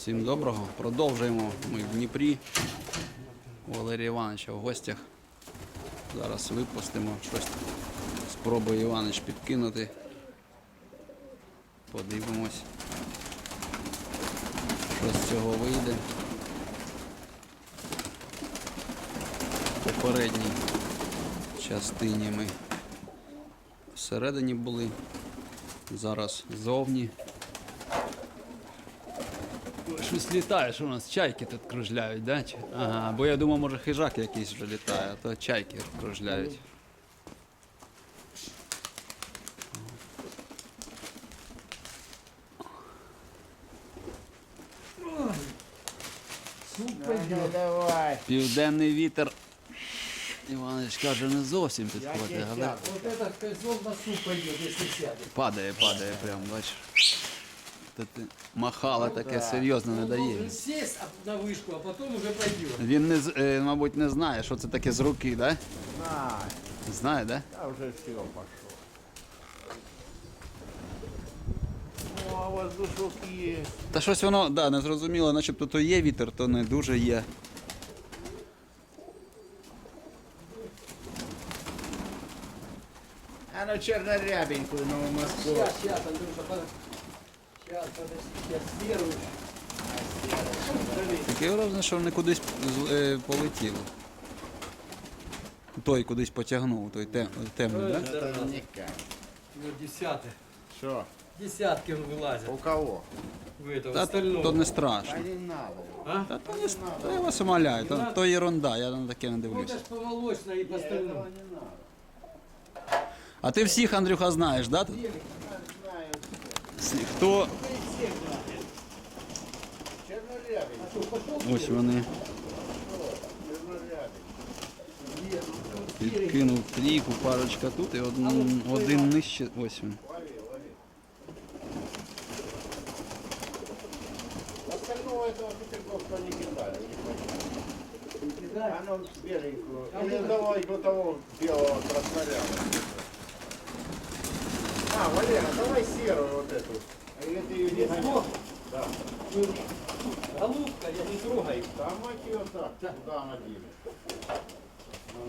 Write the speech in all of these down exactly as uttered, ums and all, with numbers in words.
Всім доброго. Продовжуємо ми в Дніпрі. У Валерія Івановича в гостях. Зараз випустимо щось. Спробує Іванович підкинути. Подивимось, що з цього вийде. В попередній частині ми всередині були. Зараз зовні. Щось літає, що у нас чайки тут кружляють, да? Ага, бо я думав, може хижак якийсь вже літає, а то чайки кружляють. Давай. Південний вітер, Іванович каже, не зовсім підходить, але Вот этот козел на суп пойдет, если сядет. падає, падає прям, бачиш. Тут махало таке серйозно не Он дає. должен сесть а- на вышку, а потом уже пойдет. Він, не, з- е, мабуть, не знає, що це таке з руки, да? Знаю. Знає, да? А уже все пошло. Ну, а воздушок есть. Та щось воно, да, не зрозуміло, начебто то є вітер, то не дуже є. А ну чернорябенькую новую Москву. Сейчас, сейчас, Андрюша, под- сейчас, подожди, сейчас серую. Таке враження, що вони кудись з- е, полетіли. Той кудись потягнув, той тем, темний, да? Это никак. Ну, десятый. Что? Десятки он вылазит. У кого? В этого Та остального. то не страшно. А не надо. А? Та то не с- та я вас умоляю, то, то ерунда, я на таке не Ну, дивлюся. это ж по молочной и по остальному. Этого не надо. А ти всіх, Андрюха, знаєш, да? Тут? Знаю все. Всі- Хто? Чернорябенькую. Ось вони. Чернорябенькую. Підкинув трійку, парочка тут і один, один нижче. Ось він. Лови, лови. Остального этого петельковка не кидали. Не кидали? А ну беленькую. Или давай до того белого красноряда. А, Валера, давай серую вот эту. А или ты ее не гонял? Да. Голубка, я не трогаю. Да, мать ее так. Куда она делит? Ну,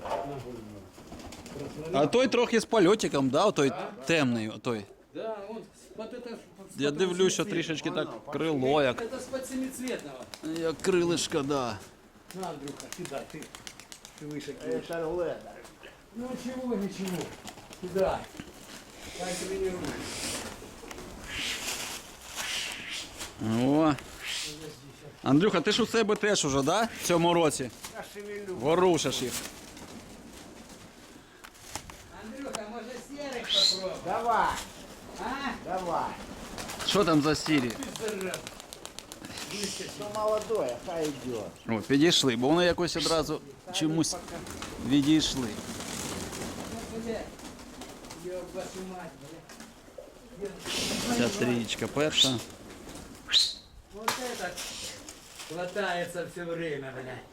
да. А той трохи з польотиком, да? Той темний, той. Да, он под это... Я дивлюсь, що трішечки так крило, як, Это с под семицветного. як крилишка, да. На, Андрюха, кидай, ты. Ты выше кинешь. Это ледер. Ну чего, ничего. Кидай. Как тренируешь. О. Андрюха, ти ж у себе теж уже, да? В цьому році? Я шевелю. Ворушиш їх. Андрюха, может серых попробуй? Давай, А? давай. Що там за сірі? Ты зараза. Что молодое, хай идет. О, підійшли, бо вони якось одразу чомусь відійшли. Ну, блядь. Ёб вашу мать, блядь. Ця трієчка перша. Вот это хватается все время, блядь.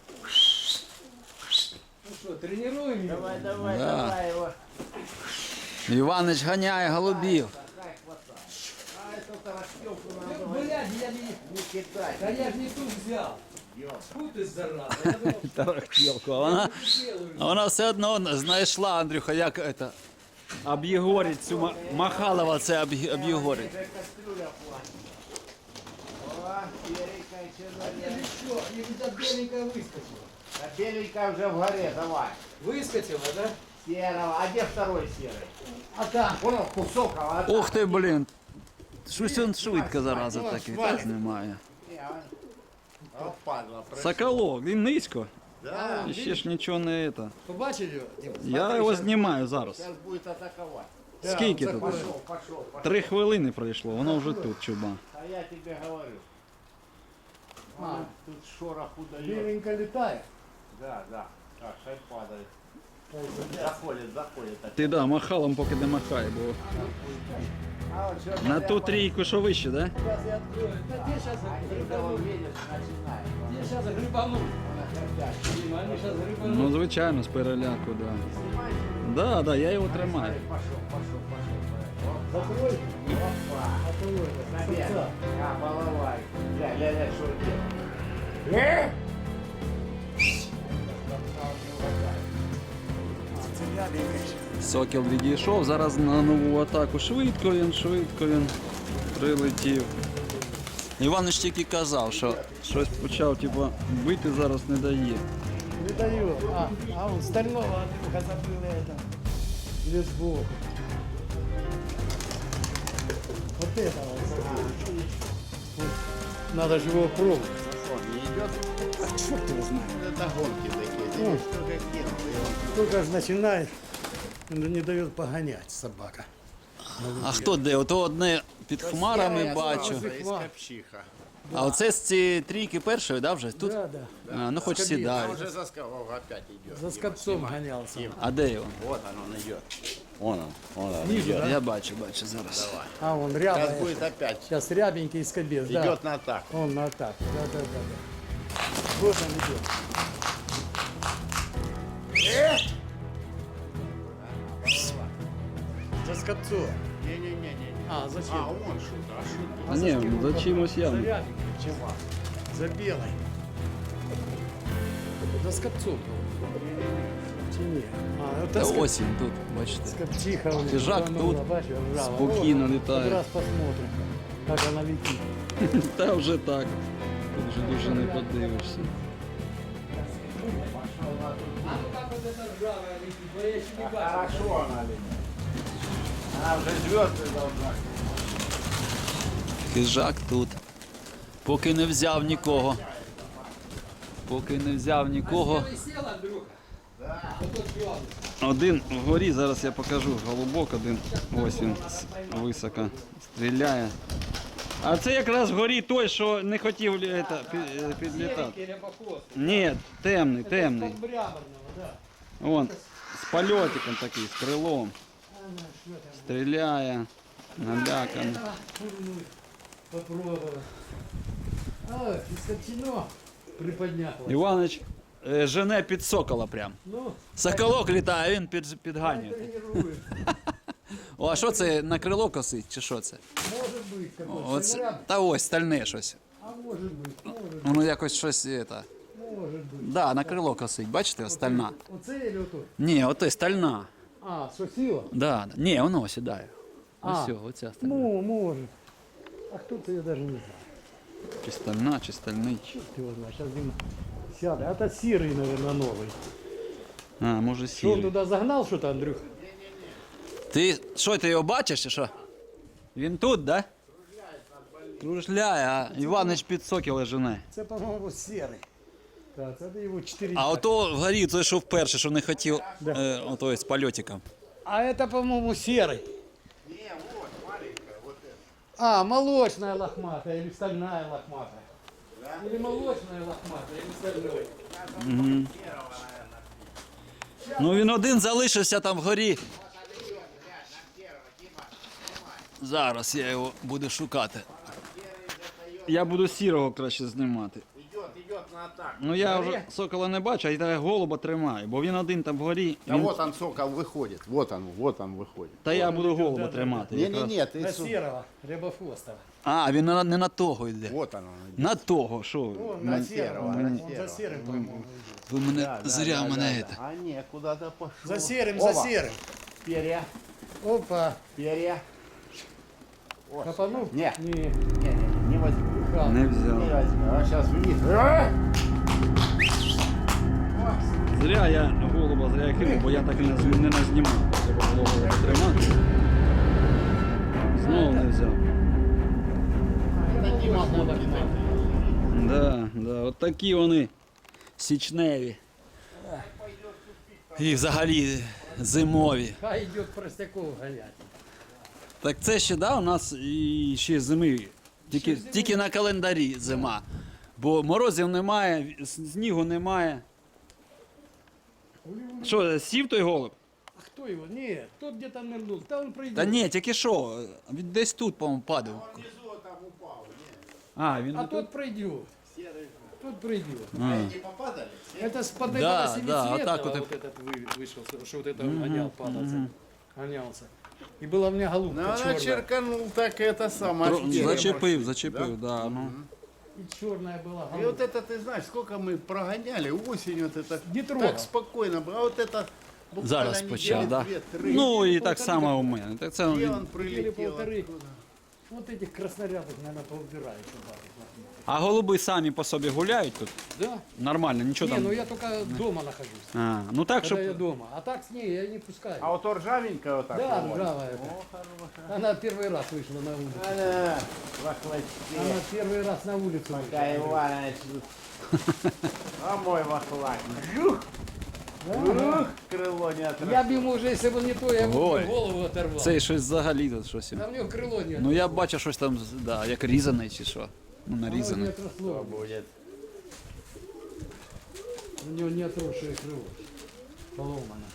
Ну что, тренируем его? Давай, давай, Да. давай его. Іванич ганяє голубів. Хай хватай. А эту тарахтелку Ну, надо блядь, я не... не кидай. Да я ж не тут взял. Ёп. Фу ты, зараза. Я думал, Тарахтілку. А вона, что делаю. а вона все одно знайшла, Андрюха, як це, об'єгорить цю ма- Махалова, це об'є- об'єгорить. Уже кастрюля платит. О, беленькая, Я же чернорябенькая. что, я где-то беленькая выскочила. А беленькая уже в горе, давай. Выскочила, да? Серого. А где второй серый? А там. Вон он, кусок, а вот Ух ти, блін. Щось він швидко зараза такий, теж немає. От падла. Соколок, він низько. Да. І ще ж нічого не це. Побачили его? Дима? Я його знімаю зараз. Сейчас будет атаковать. Скільки тут? Пошел, пошел, пошел. Три хвилини пройшло, воно вже тут, чуба. А я тебе говорю. А. А, тут шорох удает. Беленькая летает. Да, да. Так, шай падает. Заходит, заходит. так. Ти да, махалом поки не махай, бо А вот что на ту трійку, що вище, да? Сейчас я открою. Да где сейчас грибанут? видишь, начинает. Где сейчас грибанут? Дима, они сейчас грибанут. Ну, звичайно, з переляку, да. Да, да, я його тримаю. Пошел, пошел, пошел. Закрой. Опа. Открой. Наверх. А, балалайка. глянь, что делать. Сокіл відійшов, зараз на нову атаку. Швидко він, швидко він прилетів. Іванич тільки казав, що щось почав типу, бити, зараз не дає. Не даю. А, а он стального Андрюха забыл это. Или сбоку. Вот этого вот забыл. Вот. Надо же его пробовать. Он не идет. А черт его знает. Это гонки такие. Ну. Здесь только кинул, и он Только же начинает, он не дает погонять собака. А хто де? Ото одне під хмарами Я бачу. сразу из Копчиха. А оце з цієї трійки першої, да, вже? Тут? Да, да. А, ну хоч А сідають. уже за скалом опять идет. За скопцом гонялся. А де його? Вот он, он идет. Вон он, вон он Ниже, идет. да? Я бачу, бачу зараз. Давай. А, он Сейчас рябый. будет опять. Сейчас рябенький скобец, да. Идет на атаку. Он на атаку. Да, да, да, да. Вот он идет. За скопцом. Не-не-не-не. А, зачем? А, он что-то, а что-то. А ні, за чимось За явно. рябеньким. Чего? За белой. За скопцом. Чи ні? А, Та это скоп... ось він тут, бачите. скопчиха. у них Хижак рванула, тут бачиш, ржава. спокійно Вот, літає. Раз посмотрим, как она летит. Та вже так. Тут вже дуже не подивишся. А ну как вот эта ржавая летит? Ну, я еще не бачу. Хорошо она летит. Она уже звезды должна. Хижак тут. Поки не взяв нікого. Поки не взяв нікого. Сел, Андрюха? Один вгорі, зараз я покажу. Голубок один. Ось він с- високо стріляє. А це якраз вгорі той, що не хотів лі- ета, пі- е, підлітати. Рябохвост. Ні, темний, темний. Подбряборного, да. Вон, з польотиком такий, з крилом. Стріляє, наляканий. Попробовал. А, ископчено приподняло. Іванич е, жене під сокола прям. Ну, Соколок літає, він під, підганює. тренирует. О, а що це на крило косить, чи що це? Может быть, какой-то Оце, сыграб. та ось стальне щось. А может быть, может, Воно якось щось. Это, может быть. да, на крило косить, бачите, ось стальна. Оце или ото? Ні, ото стальна. А, що сила? Да, да. Ні, воно сідає. А. Ось все, оця стальна. Ну, может. А кто то я даже не знаю. Чи стальна, чи стальний. Черт его знает, сейчас Дима сядет. А это серый, наверное, новый. А, може Что, он сірий. туда загнал что-то, Андрюха? Ти що, ти його бачиш, чи що? Він тут, да? Кружляє, а Іванич під сокіла жене. Это, по-моему, серый. Так, это его четыре. А ото вгорі той, що вперше, що не хотів, е, ото з польотиком. А это, по-моему, серый. Не, вот, маленькая, вот это. А, молочная лохматая или стальная лохматая. Или молочная лохматая, или стальной. Ну він один залишився там вгорі. Зараз я його буду шукати. Я буду сірого краще знімати. Идет, идет на атаку. Ну я вже сокола не бачу, а я голуба тримаю, бо він один там вгорі. А Він... вот он, сокол, выходит. Вот он, вот он выходит. Та я буду голуба тримати. якраз. Не-не-не, ты... На су- серого, рябохвостого. А, він на- не на того йде. Вот он, он идет. На того, що? ви? Он На на серого, серого, он на за серого. серым, по-моему. Ви мене Да, да, зря да, мене да, це. да. А не, куда-то пошел. За серым, за Опа, серым. Перья, Опа. перья. Копанул? Не. Не. Не-не, не возьму. Не Не взяв. возьму. А сейчас вниз. А! Зря я голуба зря я кинув, бо я так і не, з- не назнімав. Треба було голуба тримати. Знову не взяв. Такие махонки такие. Да, да, от такі вони січневі. І взагалі зимові. Хай идет простяков гонять. Так це ще да, у нас і ще зими. Тільки, тільки на календарі зима. Бо морозів немає, с- снігу немає. Що, сів той голуб? А кто его? Нет, тот где-то нырнул. Да он пройдет. Та ні, тільки що, він десь тут, по-моєму, падав. Внизу там упал. А, він А тут? тот пройдет. Серый. Тот пройдет. А. Эти попадали? Это с под Да, этого да, семицветного вот так вот и- вот этот вы- вышел, что вот это гонял, падался. Гонялся. И была у меня голубка Ну, она черная. черканул так это самое. Тро- Зачепив, зачепив, да. Ну. И черная была. И вот это, ты знаешь, сколько мы прогоняли осенью, вот это Не трогал. так спокойно было. А вот это буквально Зараз недели почав, да? две-три. Ну і так само у мене. Так це Где він- он Или прилетел? полторы. оттуда? Вот этих краснорядок, наверное, поубирают. сюда. А голуби самі по собі гуляють тут? Да? Нормально, нічого Не, там. ну я только дома нахожусь. А, ну так, Когда щоб. я дома. А так с ней я не пускаю. А вот ржавенькая вот так? Да, вот? ржавая это. О, хорошая. Она первый раз вышла на улицу. Она вахлачки. Она первый раз на улицу Пока вышла. Иванович тут. А мой вахлак. Жух, жух, крыло не отрывает. Я бы ему уже, если бы не то, я бы Ой. ему голову оторвал. Цей щось взагалі тут щось. А в него крыло нет. Ну я бачу щось там, да, як різане чи що. Ну, Оно не нарізане. отросло. Будет. У него не отросшее крыло. Поломано.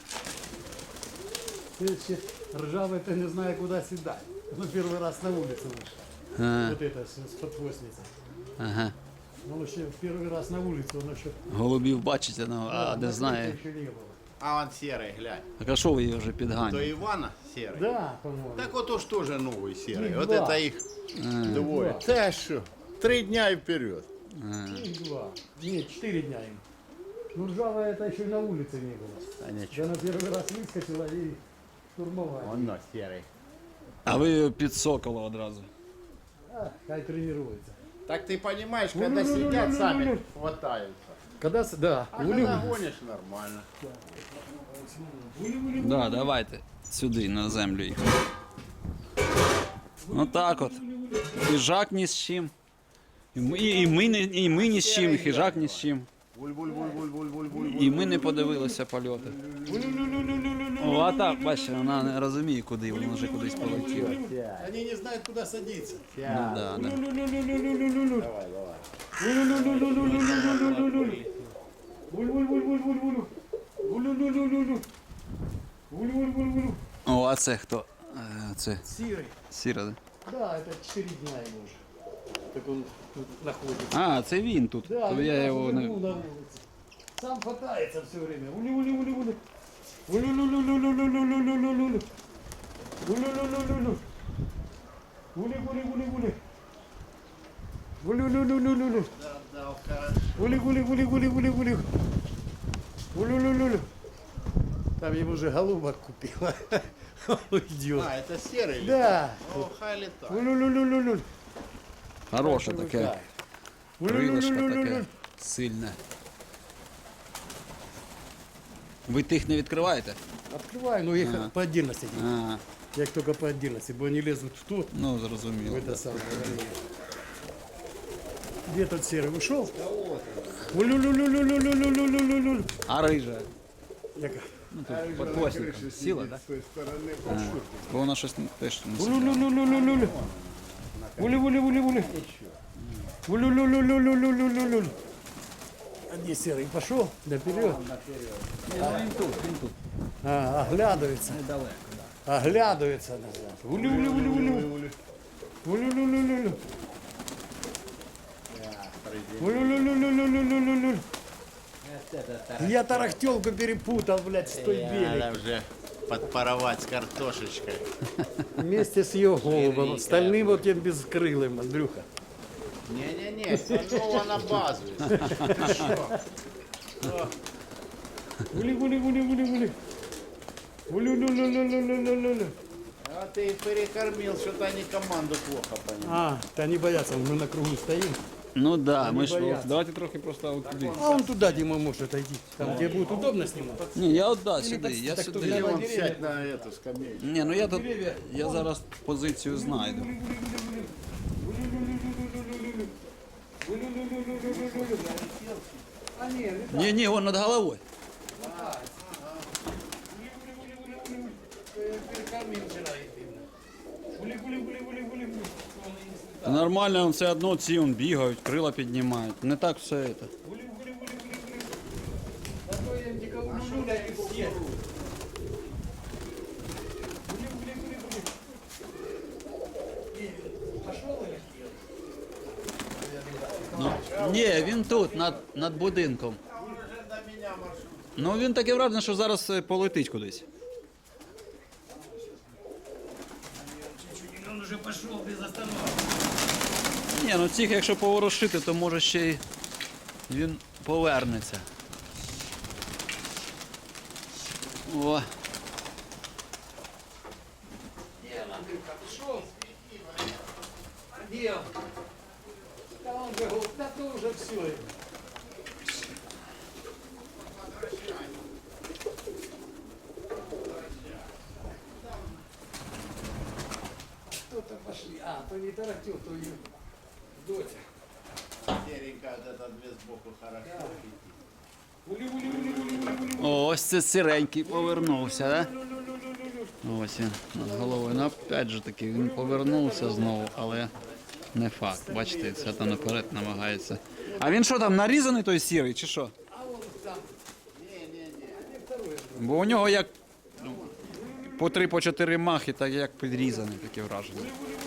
Ты ржавый, ты не знаю, куда седать. Ну, первый раз на улице вышел. А, Вот это с, с подхвостницей. ага. Он еще первый раз на улице, он еще... Голубів бачите, ну, а Да, не на знає. крыше еще не было. А он серый, глянь. Так а що ви її вже То підганяєте? Ивана серый. Да, по-моему. Так вот уж тоже новый серый. Их Вот два. это их двое. Два. Да что? Три дня и вперед. Их два. Нет, четыре дня им. Ну, ржавая это еще и на улице не было. А ничего. Да, на первый раз выскочила и штурмовая. Он но серый. А ви під сокола одразу. А, хай тренируется. Так ты понимаешь, когда сидят, сами хватаются. Когда... с- Да. А Улю- когда гонишь, нормально. Да, давайте сюди, на землю їх. Ну так от. Хижак ні з чим. І ми, і ми, не- і ми ні з чим, і хижак ні з чим. Буль-буль-буль-буль-буль-буль-буль. І ми не подивилися польоти. О, а так, бачите, вона не розуміє, куди, вона вже кудись полетіла. Они не знают, куда садиться. Ну, да, да. Давай, давай. О, а це хто? Е, Це Сирый. Сіра, да? Да, это четыре дня ему уже. Так он тут находится. А, це він тут. Да, То он я сразу його не. вернул на улице. Сам хватается все время. Ули, ули, ули, ули. Ули, ули, ули, ули, ули, ули, ули, ули, ули. Ули, ули, ули, ули. Ули, ули, ули, ули. Ули, ули, ули, ули, ули. Да, да, хорошо. Ули, ули, ули, ули, ули, ули. Ули, ули, ули, ули. Там ему уже голубок купила. Он уйдет. А, это серый? Да. О, хай летает. Ули, ули, ули, ули, ули. Хороше таке. Крилишко таке сильне. Ви тих не відкриваєте? Открывай, но их А. по отдельности. А, Я их только по отдельности, бо они лезут в тот, ну в зрозуміло. это Да. самое. Где тот серый ушел? Улю-лю-лю-лю-лю-лю-лю-лю-лю-лю. А рижа? Яка? Ну тут під хвостиком. Сіла, так? С той стороны. Да? Бо вона щось теж не сіла. Улю-лю-лю-лю-лю-лю. Улю-улю-улю-улю. Улю-лю-лю-лю-лю-лю-лю-лю. А где серый? Пошел? Наперед. Він тут, він тут. А, оглядывается. Недалеко. Оглядывается назад. Улю-улю-улю-улю. Улю-лю-лю-лю-лю. Улю-лю-лю-лю-лю-лю-лю-лю. Я тарахтелку перепутал, блядь, с той белой. Надо уже подпаровать с картошечкой. Вместе с ее голубом. Остальным вот тем бескрылым, Андрюха. Не-не-не, снова на базу. Ты что? Ули-ули-ули-ули-ули. Улю-лю-лю-лю-лю-лю-лю-лю. А ты перекормил, что-то они команду плохо поняли. А, да не боятся, мы на кругу стоим. Ну так, да, ми ж бояться. давайте трохи просто от туди. А он туда, Дима, может отойти. Там, где будет удобно снимать. Ні, я от да, сюди, так- я так тут сюди. я- Вон сядь на эту скамейку. Ні, ну я тут, я зараз позицію знайду. А нет, Ні, ні, вон над головою. перекормил вчера активно. Ули-ули-ули-ули-ули-ули. Та нормально, он все одно ці он бігають, крила піднімають. Не так все це. А то я никого не люблю, и все. Пошел или Ну, ні, він тут, над, над будинком. Ну він таке враження, що зараз е, полетить кудись. Он уже пошел без остановки. Ні, ну цих якщо поворошити, то може ще й він повернеться. О. Где он, Андрюха, пришел? А где он? Да он же, говорит, да то уже все. Кто-то пошли. А, то не Тарантюк, то ее доча. Серенькая вот эта две сбоку хорошо. Ули, ули, ули, ули, ули, ули. О, ось це сиренький повернувся, да? Ось він над головою. Ну, опять же таки, він повернувся знову, але не факт. Бачите, все там наперед намагається. А він що там, нарізаний той сірий, чи що? А он там. Не-не-не. А не второй. Бо у нього як ну, по три, по чотири махи, так як підрізаний, таке враження.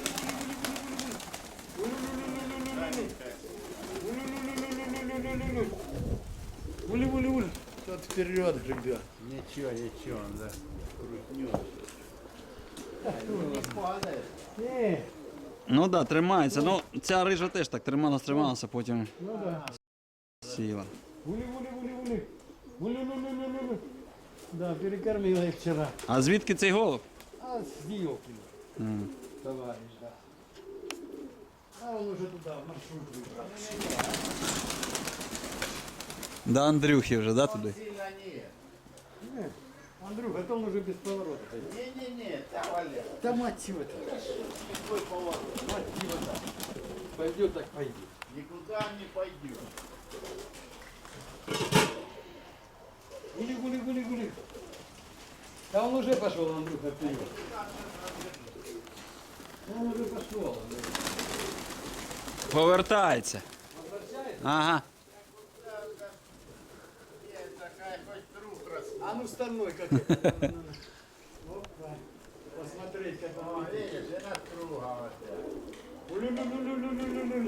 Ули, ули, ули. Тот вперед гребет. Ничего, ничего, он да, крутнет. Не падает. Не, Ну так, да, тримається. Ну, ця рижа теж так трималася, трималася, потім ну да. сіла. Ули, ули, ули, ули. Ули, ули, ули, ули. Да, перекормила их вчера. А звідки цей голуб? А с Диокина, М. товарищ, да. А он уже туда, в маршрут выбрал. До Андрюхи вже, да, туди? Сильно нет. Не, Андрюха, это он уже без поворота. Не-не-не, там Валер. Да мать его-то. Какой поворот? Мать его-то. Пойдет так пойдет. Никуда он не пойдет. Гули, гули, гули, гули. Да он уже пошел, Андрюха, вперед. Он уже пошел. Повертається. Возвращается? Ага. Нет, такая хоть труп растет. А ну стальной как это. Опа. Посмотреть, как он видит. Видишь, и настругал опять. Улю-лю-лю-лю-лю-лю-лю-лю.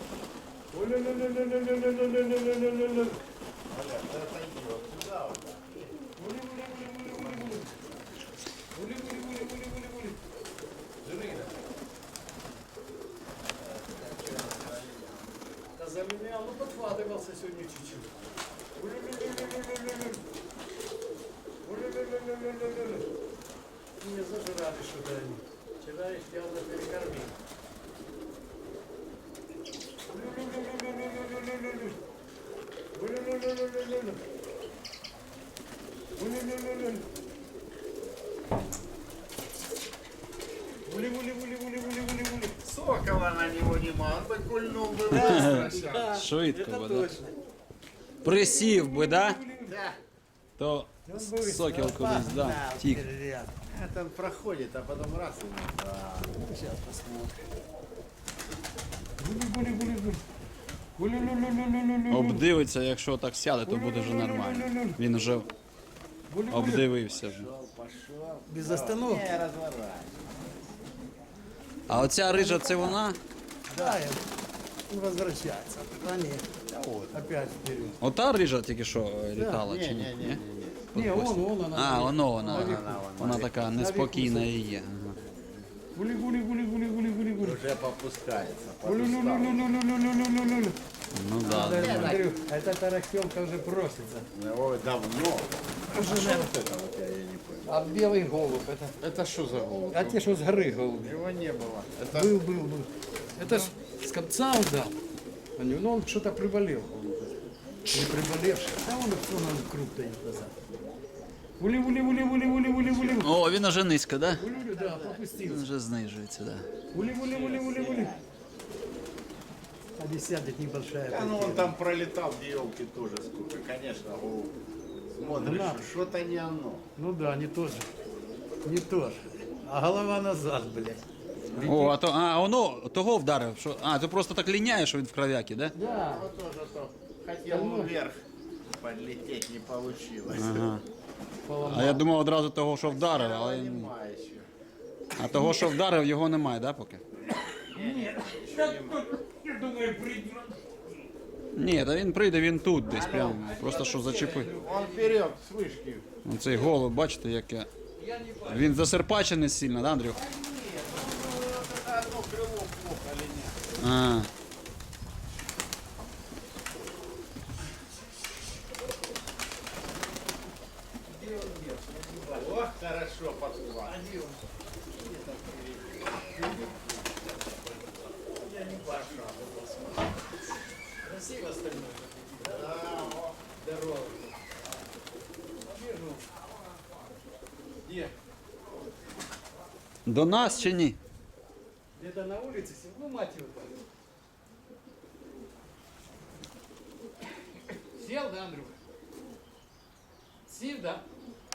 Улю-лю-лю-лю-лю-лю-лю-лю-лю-лю-лю. Валер, да отойди вот сюда вот. Ули-ули-ули-ули-ули-ули. Ули-ули-ули-ули-ули-ули. Жирина. Да за меня, ну подхватывался сегодня чуть-чуть. Ули-ули-ули-ули-ули-ули. Ули-ули-ули-ули-ули-ули. Не зажирали что-то они. Вчера их явно перекормил. Улю-лю-лю-лю-лю-лю-лю-лю-лю. Улю-лю-лю-лю-лю-лю-лю. Улю-лю-лю-лю-лю-лю-лю. Ули-ули-ули-ули-ули-ули-ули. Сокола на него не мог, он бы кульнул бы быстро сейчас. Швидко, бо, да? Присів би, да? Да. То сокіл кудись, да, тік. Это он проходит, а потом раз и да. Сейчас посмотрим. Гули-гули-гули-гули. Гули-лю-лю-лю-лю-лю-лю. Обдивиться, якщо так сяде, то буде вже нормально. Він вже Гули-гули. обдивився вже. Пошел. Без остановки. Не разворачивай. А оця рижа, це вона? Да, я- он возвращается. А нет. Опять вперед. Ота рижа тільки що е, літала, Не, чи не, ні? не, не, Ні? не. Не, он, он, она. А, воно вона. Вона, Вона, вона. вона така неспокійна і є. Ага. Гули-гули-гули-гули-гули-гули. Уже попускается. Подустал. Гули-лю-лю-лю-лю-лю-лю-лю-лю. Ну да. Да, Андрюх, эта тарахтелка уже просится. Ой, давно. А что вот это вот я, я не понял. А белый голубь, это... Это что за голубь? А те, что с горы голубь. Его не было. Это Был, был, был. Это ж с конца он дал. А не- Ну, он что-то приболел. Не приболевший. Да он все нам круг дает назад. Ули, ули, ули, ули, ули, ули, ули. О, він уже низько, да? Ули, ули, да, Він попустился. вже знижується, да. Ули, ули, ули, ули, ули. А здесь сядет небольшая. А ну он потеря. там пролетал, где елки тоже сколько, конечно, голубь. Смотришь, Да. что- что-то не оно. Ну да, не то же. Не то же. А голова назад, блядь. О, а то, а, воно того вдарив, що, а, ти просто так ліняє, що він в кров'які, да? Да. Вот тоже то. Хотел вверх подлететь, не получилось. Ага. Поломал. А я думав одразу того, що вдарив, але ні. Понимаю еще. А того, що вдарив, його немає, да, поки? Я думаю, придет. Ні, та він прийде, він тут десь прям, просто що зачепив. Он вперед, с вышки. Оцей голуб, бачите, яке. Він засерпачений сильно, да, Андрюх? Это одно крыло плохо линяет. А, О, хорошо подхват. Красиво остальное. Здорово. Вижу. Где? до нас чи ні? Где-то на улице? Ну, мать его. Сел, да, Андрюха? Сел, да?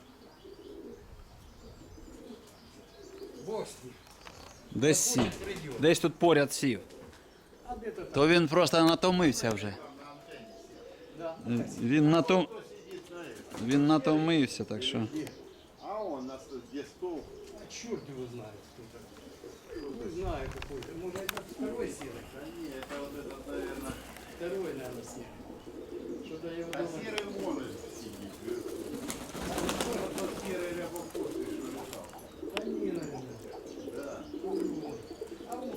Бог с ним. Десь сів. Может, придет. Десь тут поряд сів. А где-то там. То він просто натомився вже. Да. Він натом... Він натомився, так що. А он нас тут где стол. А черт его знает, кто такой. Не знаю какой-то. Может, это второй сел. Да не, это вот этот, наверное, Второй, наверное, сел. Что-то я его а думаю. серый вон сидит. Вот тот серый рябокосый, что лежал. Они, наверное. Да. А вот.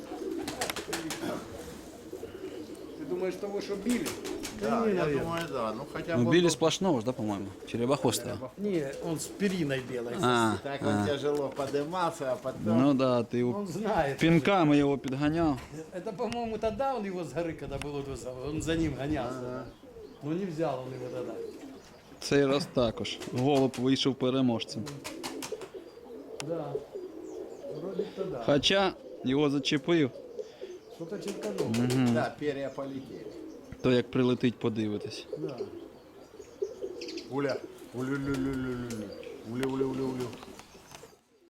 Ты думаешь, того, что били? Да, не, я наверное. думаю, да. Ну хотя Ну, бы... білі сплошного ж, да, по-моєму? Черепахостого. Не, он с периной белой. А, Так он тяжело поднимался, а потом... ну да, ти його Он знает. пінками його підганяв. Это, по-моему, тогда он его с горы, когда был вот, он за ним гонялся. Но не взял он его тогда. Цей раз також. Голуб вийшов переможцем. Да. Вроде то да. Хоча його зачепив, Что-то черканул. Да, перья полетели. то як прилетить, подивитись. Да. Уля. Улю-лю-лю-лю-лю. Улю-улю-улю-улю.